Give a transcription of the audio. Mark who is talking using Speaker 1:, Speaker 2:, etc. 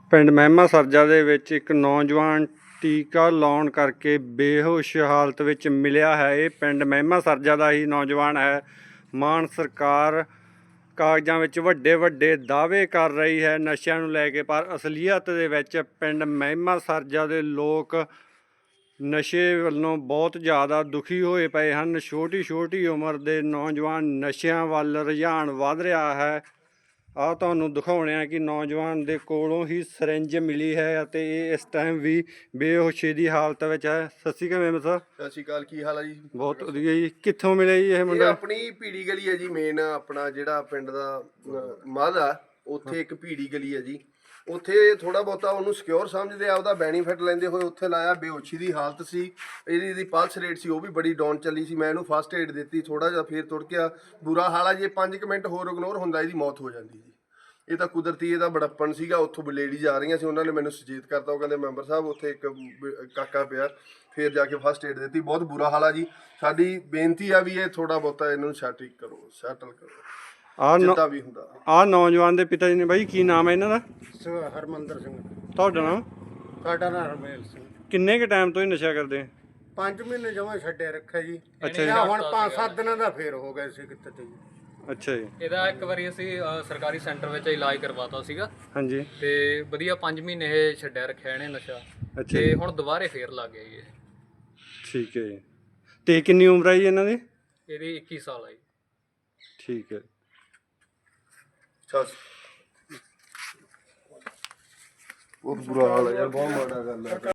Speaker 1: ਪਿੰਡ ਮਹਿਮਾ ਸਰਜਾ ਦੇ ਵਿੱਚ ਇੱਕ ਨੌਜਵਾਨ ਟੀਕਾ ਲਾਉਣ ਕਰਕੇ ਬੇਹੋਸ਼ ਹਾਲਤ ਵਿੱਚ ਮਿਲਿਆ ਹੈ। ਇਹ ਪਿੰਡ ਮਹਿਮਾ ਸਰਜਾ ਦਾ ਹੀ ਨੌਜਵਾਨ ਹੈ। ਮਾਨ ਸਰਕਾਰ ਕਾਗਜ਼ਾਂ ਵਿੱਚ ਵੱਡੇ ਵੱਡੇ ਦਾਅਵੇ ਕਰ ਰਹੀ ਹੈ ਨਸ਼ਿਆਂ ਨੂੰ ਲੈ ਕੇ, ਪਰ ਅਸਲੀਅਤ ਦੇ ਵਿੱਚ ਪਿੰਡ ਮਹਿਮਾ ਸਰਜਾ ਦੇ ਲੋਕ ਨਸ਼ੇ ਵੱਲੋਂ ਬਹੁਤ ਜ਼ਿਆਦਾ ਦੁਖੀ ਹੋਏ ਪਏ ਹਨ। ਛੋਟੀ ਛੋਟੀ ਉਮਰ ਦੇ ਨੌਜਵਾਨ ਨਸ਼ਿਆਂ ਵੱਲ ਰੁਝਾਨ ਵੱਧ ਰਿਹਾ ਹੈ। ਆਹ ਤੁਹਾਨੂੰ ਦਿਖਾਉਣੇ ਆ ਕਿ ਨੌਜਵਾਨ ਦੇ ਕੋਲੋਂ ਹੀ ਸਿਰਿੰਜ ਮਿਲੀ ਹੈ ਅਤੇ ਇਹ ਇਸ ਟਾਈਮ ਵੀ ਬੇਹੋਸ਼ੀ ਦੀ ਹਾਲਤ ਵਿੱਚ ਹੈ। ਸਤਿ ਸ਼੍ਰੀ ਅਕਾਲ ਮੈਮ ਸਾਹਿਬ।
Speaker 2: ਸਤਿ ਸ਼੍ਰੀ ਅਕਾਲ, ਕੀ ਹਾਲ ਹੈ ਜੀ?
Speaker 1: ਬਹੁਤ ਵਧੀਆ ਜੀ। ਕਿੱਥੋਂ ਮਿਲਿਆ ਜੀ ਇਹ ਮੁੰਡਾ?
Speaker 2: ਆਪਣੀ ਭੀੜੀ ਗਲੀ ਹੈ ਜੀ, ਮੇਨ ਆਪਣਾ ਜਿਹੜਾ ਪਿੰਡ ਦਾ ਮੱਧ ਆ ਉੱਥੇ ਇੱਕ ਭੀੜੀ ਗਲੀ ਹੈ ਜੀ। ਉੱਥੇ ਥੋੜਾ ਬਹੁਤਾ ਉਹਨੂੰ ਸਿਕਿਉਰ ਸਮਝਦੇ ਆ, ਉਹਦਾ ਬੈਨੀਫਿਟ ਲੈਂਦੇ ਹੋਏ ਉੱਥੇ ਲਾਇਆ। ਬੇਹੋਸ਼ੀ ਦੀ ਹਾਲਤ ਸੀ, ਇਹਦੀ ਪਲਸ ਰੇਟ ਸੀ ਉਹ ਵੀ ਬੜੀ ਡਾਊਨ ਚੱਲੀ ਸੀ। ਮੈਂ ਇਹਨੂੰ ਫਸਟ ਏਡ ਦਿੱਤੀ, ਥੋੜਾ ਜਿਹਾ ਫੇਰ ਤੁਰ ਗਿਆ। ਬੁਰਾ ਹਾਲ ਆ, ਜੇ 5 ਮਿੰਟ ਹੋਰ ਇਗਨੋਰ ਹੁੰਦਾ ਇਹਦੀ ਮੌਤ ਹੋ ਜਾਂਦੀ ਜੀ। ਇਹ ਤਾਂ ਕੁਦਰਤੀ ਇਹਦਾ ਬੜੱਪਣ ਸੀਗਾ। ਉੱਥੋਂ ਲੇਡੀਜ਼ ਆ ਰਹੀਆਂ ਸੀ, ਉਹਨਾਂ ਨੇ ਮੈਨੂੰ ਸੁਚੇਤ ਕਰਤਾ। ਉਹ ਕਹਿੰਦੇ ਮੈਂਬਰ ਸਾਹਿਬ ਉੱਥੇ ਇੱਕ ਕਾਕਾ ਪਿਆ, ਫਿਰ ਜਾ ਕੇ ਫਸਟ ਏਡ ਦਿੱਤੀ। ਬਹੁਤ ਬੁਰਾ ਹਾਲ ਆ ਜੀ। ਸਾਡੀ ਬੇਨਤੀ ਆ ਵੀ ਇਹ ਥੋੜਾ ਬਹੁਤਾ ਇਹਨੂੰ ਸੈਟਲ ਕਰੋ ਜਿੱਦਾਂ ਵੀ ਹੁੰਦਾ।
Speaker 1: ਆਹ ਨੌਜਵਾਨ ਦੇ ਪਿਤਾ ਜੀ ਨੇ ਬਾਈ, ਕੀ ਨਾਮ ਹੈ ਇਹਨਾਂ ਦਾ?
Speaker 3: ਹਰਮੰਦਰ ਸਿੰਘ।
Speaker 1: ਤੁਹਾਡਾ ਨਾਮ?
Speaker 3: ਸਾਡਾ ਨਾਮ ਹਰਮੇਲ ਸਿੰਘ।
Speaker 1: ਕਿੰਨੇ ਕੁ ਟਾਈਮ ਤੋਂ ਹੀ ਨਸ਼ਾ ਕਰਦੇ?
Speaker 3: 5 ਮਹੀਨੇ ਜਮਾਂ ਛੱਡਿਆ ਰੱਖਿਆ ਜੀ।
Speaker 1: ਅੱਛਾ ਜੀ।
Speaker 3: ਹੁਣ 5-7 ਦਿਨਾਂ ਦਾ ਫੇਰ ਹੋ ਗਿਆ ਸੀ ਕਿਤੇ ਜੀ।
Speaker 1: ਅੱਛਾ ਜੀ।
Speaker 4: ਇਹਦਾ ਇੱਕ ਵਾਰੀ ਅਸੀਂ ਸਰਕਾਰੀ ਸੈਂਟਰ ਵਿੱਚ ਇਲਾਜ ਕਰਵਾਤਾ ਸੀਗਾ।
Speaker 1: ਹਾਂਜੀ।
Speaker 4: ਤੇ ਵਧੀਆ 5 ਮਹੀਨੇ ਇਹ ਛੱਡਿਆ ਰੱਖਿਆ ਇਹਨੇ ਨਸ਼ਾ।
Speaker 1: ਅੱਛਾ
Speaker 4: ਤੇ ਹੁਣ ਦੁਬਾਰੇ ਫੇਰ ਲੱਗ ਗਿਆ ਜੀ ਇਹ।
Speaker 1: ਠੀਕ ਹੈ ਜੀ। ਤੇ ਕਿੰਨੀ ਉਮਰ ਹੈ ਜੀ ਇਹਨਾਂ ਦੀ?
Speaker 4: ਇਹਦੀ 21 ਸਾਲ ਆ ਜੀ।
Speaker 1: ਠੀਕ ਹੈ।
Speaker 2: ਬਹੁਤ ਬੁਰਾ ਹਾਲ ਹੈ ਯਾਰ, ਬਹੁਤ ਮਾੜਾ ਗੱਲ ਹੈ।